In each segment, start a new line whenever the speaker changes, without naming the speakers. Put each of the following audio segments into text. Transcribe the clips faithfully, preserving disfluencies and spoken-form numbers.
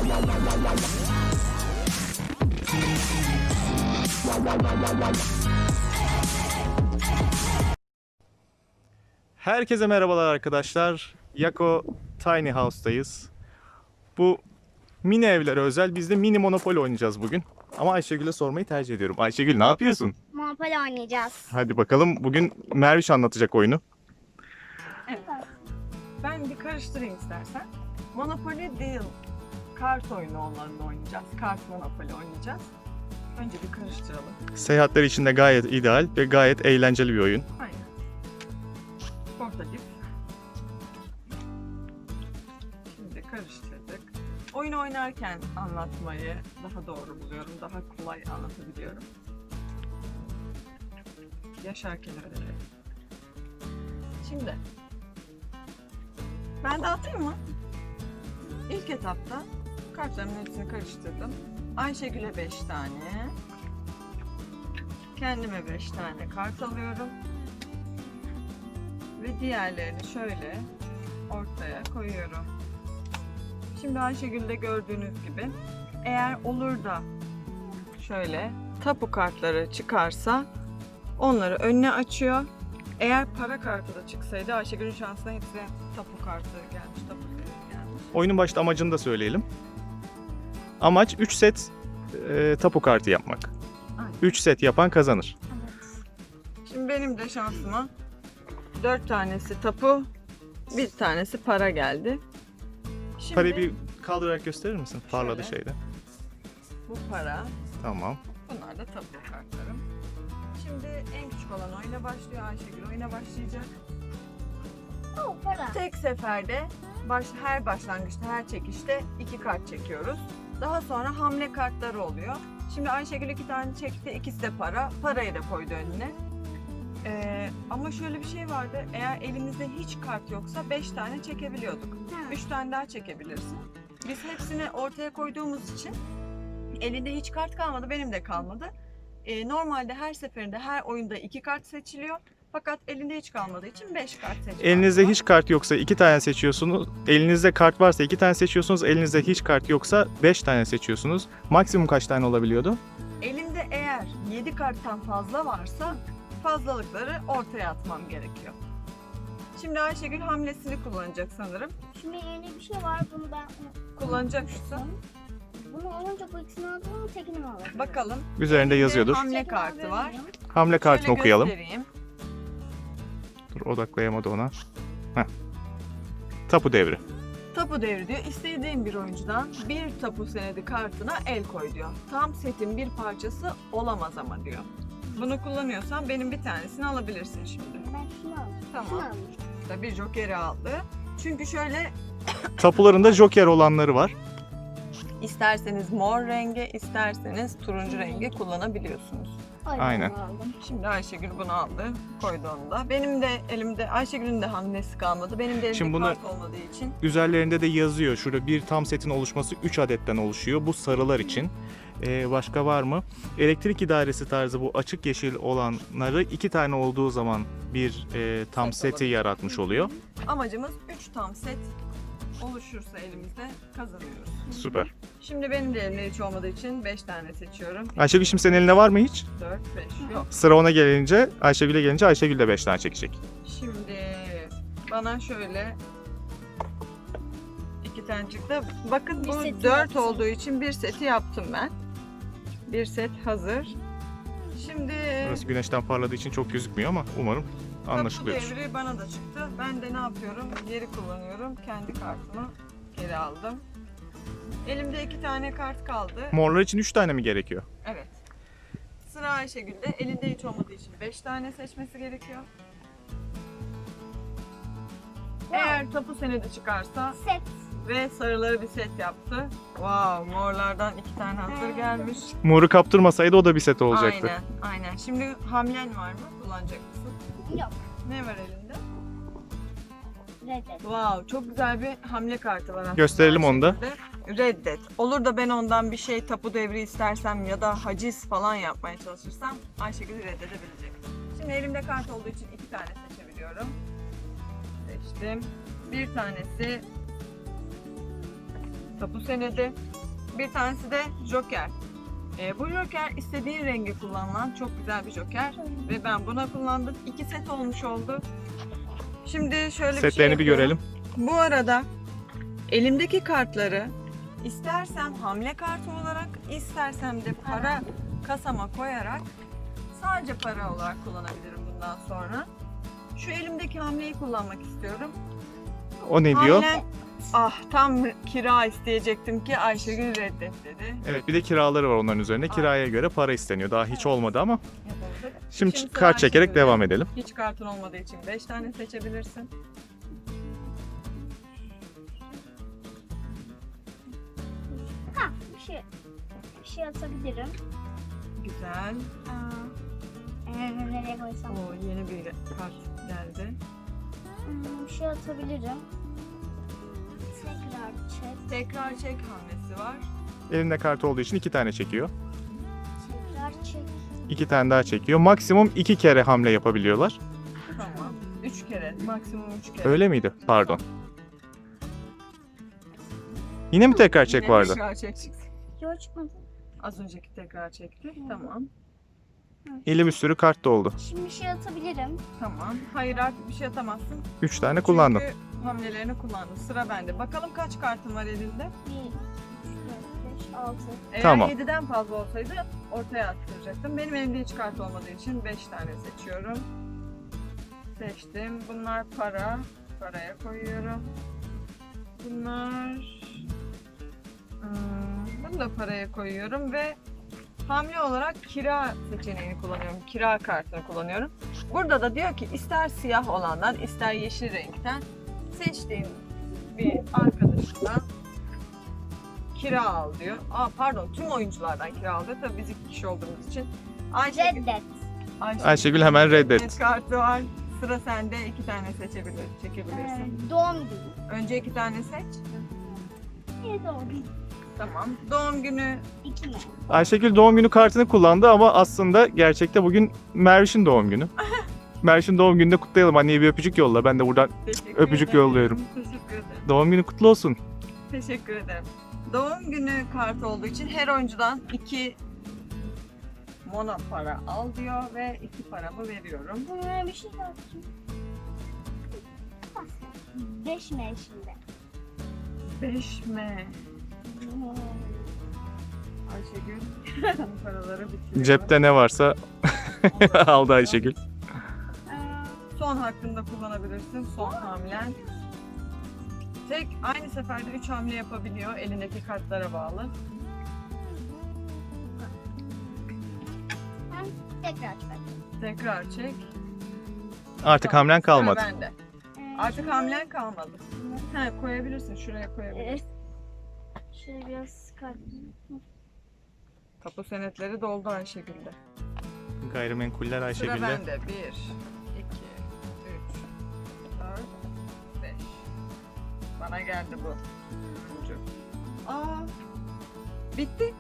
Herkese merhabalar arkadaşlar. Yako Tiny House'tayız. Bu mini evlere özel biz de mini Monopoly oynayacağız bugün. Ama Ayşegül'e sormayı tercih ediyorum. Ayşegül ne yapıyorsun?
Monopoly oynayacağız.
Hadi bakalım, bugün Merviş anlatacak oyunu.
Evet. Ben bir karıştırayım istersen. Monopoly değil, kart oyunu onlarla oynayacağız. Kart Monopoly oynayacağız. Önce bir karıştıralım.
Seyahatler için de gayet ideal ve gayet eğlenceli bir oyun.
Aynen. Portatif. Şimdi karıştırdık. Oyun oynarken anlatmayı daha doğru buluyorum. Daha kolay anlatabiliyorum. Yaşarken öyle. Şimdi ben dağıtayım mı? İlk etapta kartlarımın hepsini karıştırdım. Ayşegül'e beş tane, kendime beş tane kart alıyorum ve diğerlerini şöyle ortaya koyuyorum. Şimdi Ayşegül'de gördüğünüz gibi eğer olur da şöyle tapu kartları çıkarsa onları önüne açıyor. Eğer para kartı da çıksaydı Ayşegül'ün şansına hepsi tapu kartı gelmiş, tapu gelmiş.
Oyunun başta amacını da söyleyelim. Amaç üç set e, tapu kartı yapmak.
Aynen.
üç set yapan kazanır.
Evet.
Şimdi benim de şansıma dört tanesi tapu, bir tanesi para geldi. Şimdi
Parayı bir kaldırarak gösterir misin? Parladı
Şöyle.
şeyde.
bu para,
Tamam.
bunlar da tapu kartlarım. Şimdi en küçük olan oyuna başlıyor. Ayşegül oyuna başlayacak.
Oh, para.
Tek seferde baş, her başlangıçta, her çekişte iki kart çekiyoruz. Daha sonra hamle kartları oluyor. Şimdi Ayşegül iki tane çekti, ikisi de para. Parayı da koydu önüne. Ee, ama şöyle bir şey vardı. Eğer elimizde hiç kart yoksa beş tane çekebiliyorduk.
Ha.
üç tane daha çekebilirsin. Biz hepsini ortaya koyduğumuz için elinde hiç kart kalmadı, benim de kalmadı. Ee, normalde her seferinde her oyunda iki kart seçiliyor. Fakat elinde hiç kalmadığı için beş kart seçmek.
Elinizde hiç kart yoksa iki tane seçiyorsunuz. Elinizde kart varsa iki tane seçiyorsunuz. Elinizde hiç kart yoksa beş tane seçiyorsunuz. Maksimum kaç tane olabiliyordu?
Elimde eğer yedi karttan fazla varsa fazlalıkları ortaya atmam gerekiyor. Şimdi Ayşegül hamlesini kullanacak sanırım.
Şimdi yeni bir şey var. Bunu ben
Kullanacak şu.
Bunu olunca bu ikisini aldım ama tekini mi alabilirim?
Bakalım.
Üzerinde yazıyordur.
Hamle
Tekini
kartı
alabilir
var.
miyim?
Hamle kartını
Şöyle
okuyalım.
göstereyim.
Dur, odaklayamadı ona. Heh. Tapu devri.
Tapu devri diyor. İstediğin bir oyuncudan bir tapu senedi kartına el koy diyor. Tam setin bir parçası olamaz ama diyor. Bunu kullanıyorsan benim bir tanesini alabilirsin şimdi.
Ben şunu aldım.
Tamam.
Şunu aldım.
Da bir jokeri aldı. Çünkü şöyle
Tapularında joker olanları var.
isterseniz mor rengi, isterseniz turuncu rengi kullanabiliyorsunuz.
O yüzden
Aynen.
bunu aldım.
Şimdi Ayşegül bunu aldı, koydu onu da. Benim de elimde, Ayşegül'ün de hamlesi kalmadı. Benim de elimde
Şimdi bunu-
kart olmadığı için.
Üzerlerinde de yazıyor. Şurada bir tam setin oluşması üç adetten oluşuyor. Bu sarılar için. Ee, başka var mı? Elektrik idaresi tarzı bu açık yeşil olanları iki tane olduğu zaman bir e, tam
Set
seti
olabilir.
yaratmış oluyor.
Amacımız üç tam set oluşursa elimizde kazanıyoruz.
Süper.
Şimdi benim de elimde hiç olmadığı için beş tane seçiyorum.
Ayşegül, şimdi senin elinde var mı hiç?
dört, beş yok.
Sıra ona gelince, Ayşegül'e gelince Ayşegül de beş tane çekecek.
Şimdi bana şöyle iki tane çıktı. Bakın
Bir
bu
seti
dört
yaptın.
olduğu için bir seti yaptım ben. Bir set hazır. Şimdi
Burası güneşten parladığı için çok gözükmüyor ama umarım anlaşılıyor.
tapu devri bana da çıktı. Ben de ne yapıyorum? Geri kullanıyorum. Kendi kartımı geri aldım. Elimde iki tane kart kaldı.
Morlar için üç tane mi gerekiyor?
Evet. Sıra Ayşegül'de. Elinde hiç olmadığı için beş tane seçmesi gerekiyor. Eğer tapu senedi çıkarsa
Set.
ve sarıları bir set yaptı. Wow, morlardan iki tane hazır gelmiş.
Moru kaptırmasaydı o da bir set olacaktı.
Aynen, aynen. Şimdi hamlen var mı? Kullanacak mısın?
Yok.
Ne var elinde?
Reddet.
Wow, çok güzel bir hamle kartı var aslında.
Gösterelim onu da.
Ayşegül'de. Reddet. Olur da ben ondan bir şey tapu devri istersem ya da haciz falan yapmaya çalışırsam Ayşegül reddedebilecek. Şimdi elimde kart olduğu için iki tane seçebiliyorum. Seçtim. Bir tanesi tapu senedi. Bir tanesi de joker. Ee, bu joker istediğin rengi kullanılan çok güzel bir joker. Ve ben buna kullandım. İki set olmuş oldu. Şimdi şöyle bir şey
Setlerini bir
yapıyorum.
görelim.
Bu arada elimdeki kartları istersem hamle kartı olarak, istersem de para kasama koyarak sadece para olarak kullanabilirim bundan sonra. Şu elimdeki hamleyi kullanmak istiyorum.
O ne diyor?
Hamle, ah tam kira isteyecektim ki Ayşegül reddet dedi.
Evet, bir de kiraları var onların üzerine. Kiraya göre para isteniyor. Daha hiç olmadı ama
Yapamadık.
şimdi,
Şimdi
kart
sıra
çekerek
Ayşegül'de.
devam edelim.
Hiç kartın olmadığı için beş tane seçebilirsin.
Ha bir şey. Bir şey atabilirim.
Güzel.
Aa, ee, nereye koysam?
O yeni bir kart geldi.
Hmm, bir şey atabilirim. Tekrar çek.
Tekrar çek hamlesi var.
Elinde kart olduğu için iki tane çekiyor.
Tekrar çek.
İki tane daha çekiyor. Maksimum iki kere hamle yapabiliyorlar.
Tamam. Üç kere. Maksimum üç kere.
Öyle miydi? Pardon. Yine mi tekrar çek
Yine
vardı?
tekrar çek çıktı.
Yok çıkmadı.
Az önceki tekrar çekti. Tamam.
Eli bir sürü kart da oldu.
Şimdi bir şey atabilirim.
Tamam. Hayır artık bir şey atamazsın.
Üç tane kullandım.
Çünkü hamlelerini kullandın. Sıra bende. Bakalım kaç kartın var elinde?
Bir, üç, dört, beş, altı.
Eğer
Tamam.
yediden fazla olsaydı ortaya attıracaktım. Benim elimde hiç kart olmadığı için beş tane seçiyorum. Seçtim. Bunlar para. Paraya koyuyorum. Bunlar... Hmm, bunu da paraya koyuyorum ve hamle olarak kira seçeneğini kullanıyorum. Kira kartını kullanıyorum. Burada da diyor ki ister siyah olandan ister yeşil renkten seçtiğin bir arkadaşından kira al diyor. Aa pardon, tüm oyunculardan kira al diyor. Tabii biz iki kişi olduğumuz için. Ayşegül,
Reddet.
Ayşegül,
Ayşegül hemen reddet.
reddet kartı var. Sıra sende, iki tane seçebilir,
Ee,
çekebilirsin.
doğum günü.
Önce iki tane seç.
Niye doğum günü?
Tamam. Doğum günü.
İki mi?
Ayşegül doğum günü kartını kullandı ama aslında gerçekte bugün Merviş'in doğum günü. Merviş'in doğum gününde kutlayalım. Anneye bir öpücük yolla. Ben de buradan
Teşekkür
Öpücük
ederim.
yolluyorum.
Teşekkür ederim.
doğum günü kutlu olsun.
Teşekkür ederim. Doğum günü kartı olduğu için her oyuncudan iki mono para al diyor ve iki paramı veriyorum.
Ee, bir şey daha atayım. Beş mi şimdi?
Beş mi? Ayşegül bu paraları bitiriyor.
Cepte ne varsa aldı Ayşegül.
Ee,
Son hakkında kullanabilirsin. Son hamlen. Tek aynı seferde üç hamle yapabiliyor. Elindeki kartlara bağlı.
ben tekrar çıkartayım.
Tekrar çek.
Artık
Tamam,
hamlen
sıra
kalmadı.
bende.
Ee,
Artık
şimdi-
hamlen kalmadı. He, koyabilirsin. Şuraya
Ee,
koyabilirsin.
şöyle biraz çıkartayım.
Tapu senetleri doldu Ayşegül'de.
Gayrimenkuller
Sıra
Ayşegül'de.
bende. Bir, iki, üç, dört, beş. Bana geldi bu. Üçüncü. Aa, bitti.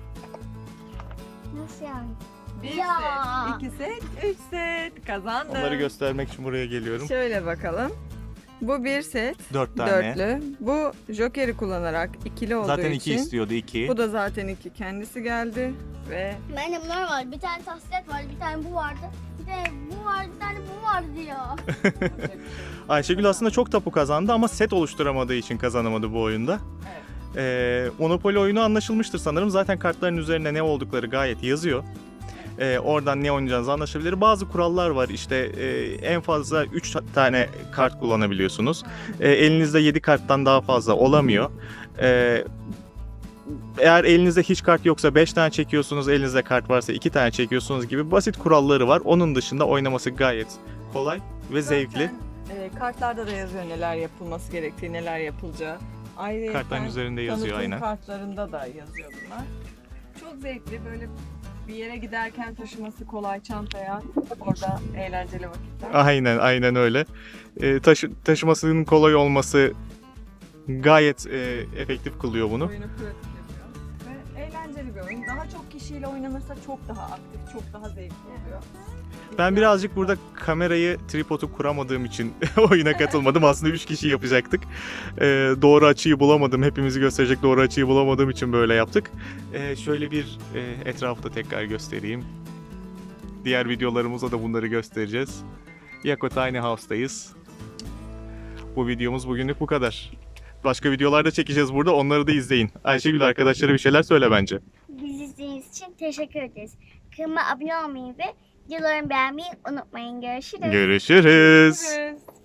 Nasıl yani?
Bir
Ya.
set, iki set, üç set. Kazandım.
Onları göstermek için buraya geliyorum.
Şöyle bakalım. Bu bir set.
Dört tane.
Dörtlü. Bu jokeri kullanarak ikili olduğu
Zaten
için.
iki istiyordu, iki.
Bu da zaten iki. Kendisi geldi ve
Bende bunlar var. Bir tane taslet var, bir tane bu vardı. Bir tane bu vardı, bir tane bu vardı ya.
Ayşegül aslında çok tapu kazandı ama set oluşturamadığı için kazanamadı bu oyunda.
Evet.
Ee, Monopoly oyunu anlaşılmıştır sanırım. Zaten kartların üzerine ne oldukları gayet yazıyor. Ee, oradan ne oynayacağınızı anlaşılabilir. Bazı kurallar var. İşte e, en fazla üç tane kart kullanabiliyorsunuz. E, elinizde yedi karttan daha fazla olamıyor. E, eğer elinizde hiç kart yoksa beş tane çekiyorsunuz. Elinizde kart varsa iki tane çekiyorsunuz gibi basit kuralları var. Onun dışında oynaması gayet kolay ve zevkli.
Zaten, e, kartlarda da yazıyor neler yapılması gerektiği, neler yapılacağı. Ayrıca
Kartların üzerinde yazıyor
tanıtım
aynen.
kartlarında da yazıyor bunlar. Çok zevkli, böyle bir yere giderken taşıması kolay, çantaya orada eğlenceli vakitler.
Aynen aynen öyle. E, taşı, taşımasının kolay olması gayet e, efektif kılıyor bunu.
Oyunu pratik yapıyor. Ve eğlenceli eğlenceli bir oyun. Daha çok kişiyle oynanırsa çok daha aktif, çok daha zevkli oluyor.
Ben birazcık burada kamerayı, tripodu kuramadığım için oyuna katılmadım. Aslında üç kişi yapacaktık. Ee, doğru açıyı bulamadım. Hepimizi gösterecek doğru açıyı bulamadığım için böyle yaptık. Ee, şöyle bir e, etrafı da tekrar göstereyim. Diğer videolarımızda da bunları göstereceğiz. Yako Tiny House'dayız. Bu videomuz bugünlük bu kadar. Başka videolar da çekeceğiz burada. Onları da izleyin. Ayşegül arkadaşlara bir şeyler söyle bence.
Bizi izlediğiniz için teşekkür ederiz. Kanalıma abone olmayı ve videolarımı beğenmeyi unutmayın. Görüşürüz.
Görüşürüz.
Görüşürüz.